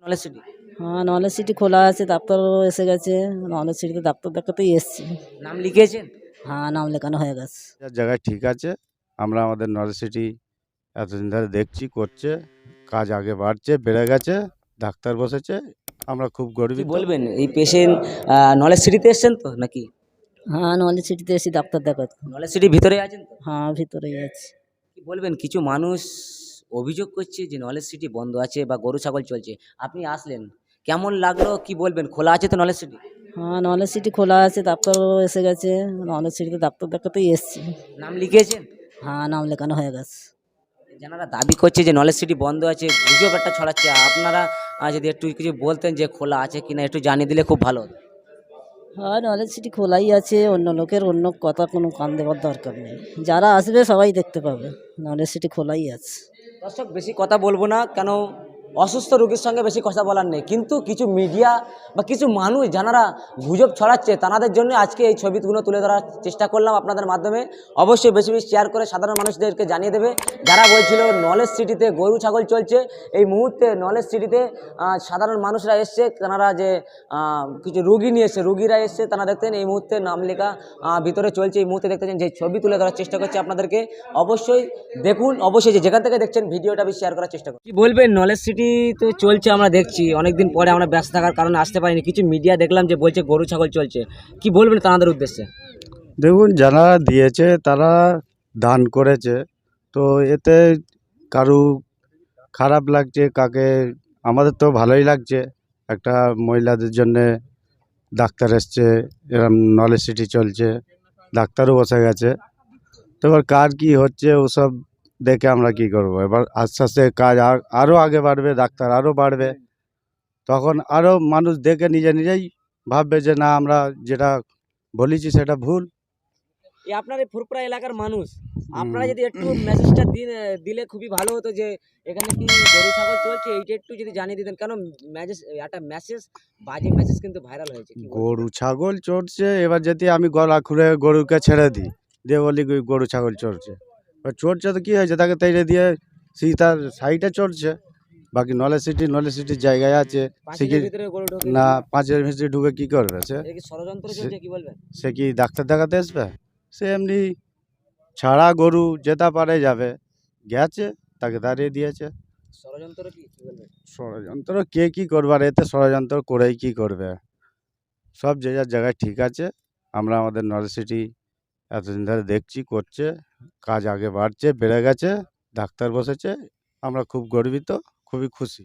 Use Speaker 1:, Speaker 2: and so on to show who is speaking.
Speaker 1: Knowledge city.
Speaker 2: হ্যাঁ, knowledge city খোলা আছে, ডাক্তারও এসে গেছে। নলেজ সিটিতে ডাক্তার দেখাতেই এসছি।
Speaker 1: নাম লিখিয়েছেন?
Speaker 2: হ্যাঁ, নাম লেখানো হয়ে গেছে।
Speaker 3: যার জায়গায় ঠিক আছে। আমরা আমাদের নলেজ সিটি এতদিন ধরে দেখছি, করছে, কাজ আগে বাড়ছে, বেড়ে গেছে, ডাক্তার বসেছে, আমরা খুব
Speaker 1: কি
Speaker 3: গর্বিত।
Speaker 1: বলবেন এই পেশেন্ট নলেজ সিটিতে এসছেন তো নাকি?
Speaker 2: হ্যাঁ, নলেজ সিটিতে এসে ডাক্তার দেখাতে।
Speaker 1: নলেজ সিটির ভিতরে আছেন তো?
Speaker 2: হ্যাঁ, ভিতরেই আছে।
Speaker 1: কি বলবেন, কিছু মানুষ অভিযোগ করছে যে নলেজ সিটি বন্ধ আছে বা গরু ছাগল চলছে, আপনি আসলেন, কেমন লাগলো কি বলবেন? খোলা আছে তো নলেজ সিটি?
Speaker 2: হ্যাঁ, নলেজ সিটি খোলা আছে, ডাক্তারও এসে গেছে। নলেজ সিটিতে ডাক্তার দেখাতেই এসছি।
Speaker 1: নাম লিখিয়েছেন?
Speaker 2: হ্যাঁ, নাম লেখানো হয়ে গেছে।
Speaker 1: যারা দাবি করছে যে নলেজ সিটি বন্ধ আছে, গুজব একটা ছড়াচ্ছে, আপনারা যদি একটু কিছু বলতেন যে খোলা আছে কিনা একটু জানিয়ে দিলে খুব ভালো হতো।
Speaker 2: হ্যাঁ, নলেজ সিটি খোলাই আছে, অন্য লোকের অন্য কথা কোনো কান দেওয়ার দরকার নেই। যারা আসবে সবাই দেখতে পাবে, নলেজ সিটি খোলাই আছে।
Speaker 1: দর্শক, বেশি কথা বলবো না, কেন অসুস্থ রোগীর সঙ্গে বেশি কথা বলার নেই, কিন্তু কিছু মিডিয়া বা কিছু মানুষ যারা গুজব ছড়াচ্ছে তাদের জন্য আজকে এই ছবিগুলো তুলে ধরার চেষ্টা করলাম আপনাদের মাধ্যমে। অবশ্যই বেশি বেশি শেয়ার করে সাধারণ মানুষদেরকে জানিয়ে দেবে। যারা বলছিল নলেজ সিটিতে গরু ছাগল চলছে, এই মুহূর্তে নলেজ সিটিতে সাধারণ মানুষরা এসছে, তারা যে কিছু রুগী নিয়ে এসছে, রুগীরা এসছে, তারা দেখতেন এই মুহূর্তে নাম লেখা ভিতরে চলছে। এই মুহূর্তে দেখতেছেন যে ছবি তুলে ধরার চেষ্টা করছে আপনাদেরকে, অবশ্যই দেখুন। অবশ্যই যেখান থেকে দেখছেন ভিডিওটা বেশি শেয়ার করার চেষ্টা করুন। কি বলবেন, নলেজ সিটি তো চলছে, আমরা দেখছি অনেকদিন পরে, আমরা ব্যস্ত থাকার কারণে আসতে পারিনি। কিছু মিডিয়া দেখলাম যে বলছে গরু ছাগল চলছে, কি বলবেন তাদের উদ্দেশ্যে?
Speaker 3: দেখুন, যারা দিয়েছে তারা দান করেছে, তো এতে কারু খারাপ লাগছে কাকে, আমাদের তো ভালোই লাগছে। একটা মহিলাদের জন্যে ডাক্তার এসছে, এরম নলেজ সিটি চলছে, ডাক্তারও বসে গেছে। তো এবার কার কী হচ্ছে ওসব দেখে আমরা কি করব? এবার আস্তে আস্তে কাজ আরও আগে বাড়বে, ডাক্তার আরও বাড়বে, তখন আরও মানুষ দেখে নিজে নিজেই ভাববে যে না, আমরা যেটা বলেছি সেটা ভুল।
Speaker 1: এই আপনার এই ফুরপুরা এলাকার মানুষ, আপনারা যদি একটু মেসেজটা দিলে খুবই ভালো হতো যে এখানে কি গরু ছাগল চলছে, এইটা একটু যদি জানিয়ে দিতেন। কেন একটা মেসেজ, বাজে মেসেজ কিন্তু ভাইরাল হয়েছে। কি বলবেন?
Speaker 3: গরু ছাগল চড়ছে, এবার যদি আমি গলা খুঁড়ে গরুকে ছেড়ে দিই, দিয়ে বলি গরু ছাগল চড়ছে, এবার চড়ছে তো কী হয়েছে, তাকে তেড়ে দিয়ে তার সাইডে চড়ছে। বাকি নলেজ সিটির জায়গায় আছে, সে
Speaker 1: পাঁচিলের
Speaker 3: কি
Speaker 1: ভিতরে গরু ঢোকে?
Speaker 3: না, পাঁচের ভিতরে ঢুকে কি করবে?
Speaker 1: এটা কি ষড়যন্ত্র চলছে? কি বলবেন?
Speaker 3: সে কি ডাক্তার দেখাতে আসবে? সে এমনি ছাড়া গরু যেতে পারে যাবে, গেছে, তাকে দাঁড়িয়ে দিয়েছে।
Speaker 1: ষড়যন্ত্র কি বলবেন?
Speaker 3: ষড়যন্ত্র কে কি করবে, আর এতে ষড়যন্ত্র করেই কি করবে? সব যে যার জায়গায় ঠিক আছে। আমরা আমাদের নলেজ সিটি এতদিন ধরে দেখছি, করছে, কাজ আগে বাড়ছে, বেড়ে গেছে, ডাক্তার বসেছে, আমরা খুব গর্বিত, খুবই খুশি।